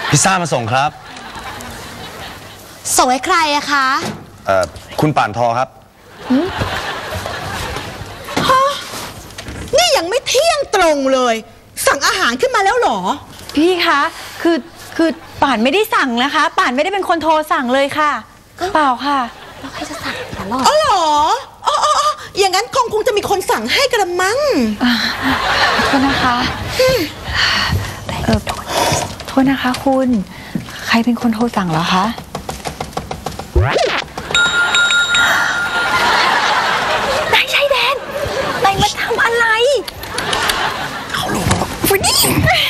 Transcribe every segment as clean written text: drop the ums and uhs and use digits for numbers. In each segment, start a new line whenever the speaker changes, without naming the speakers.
พิซซ่ามาส่งครับ
ส่งให้ใครอะคะ
คุณป่านทอครับ
ฮะนี่ยังไม่เที่ยงตรงเลยสั่งอาหารขึ้นมาแล้วหรอ
พี่คะคือป่านไม่ได้สั่งนะคะป่านไม่ได้เป็นคนโทรสั่งเลยค่ะเปล่าค่ะ
แล้วใครจะสั่งล่ะ
อ๋อเหรออ๋ออย่างนั้นคงจะมีคนสั่งให้กระมัง
โทษนะคะโทษนะคะคุณใครเป็นคนโทรสั่งเหรอคะนายชายแดนนายมาทำอะไร
เขารู้แล้ว
วันนี้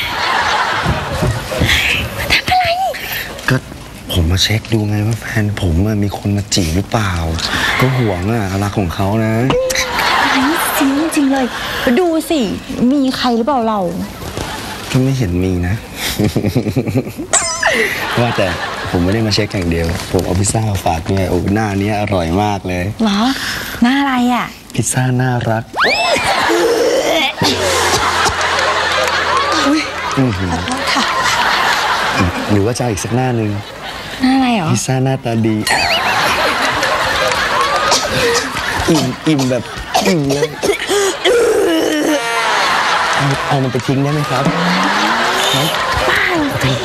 มาทำอะไร
ก็ผมมาเช็คดูไงว่าแฟนผมมีคนมาจีบหรือเปล่าก็ห่วงรักของเขานะ
จริงเลยดูสิมีใครหรือเปล่าเรา
ก็ไม่เห็นมีนะ ว่าแต่ผมไม่ได้มาเช็คอย่างเดียวผมเอาพิซซ่าฝากด้วยโอ้หน้านี้อร่อยมากเลย
เหรอหน้าอะไรอ่ะ
พิซซ่าน่ารัก
ค่ะ
หรือว่าจะอีกสักหน้านึง
หน้าอะไรหรอ
พิซซ่าหน้าตาดีอิ่มแบบอิ่มเลยเอามันไปทิ้งได้ไหมครับ
ป้า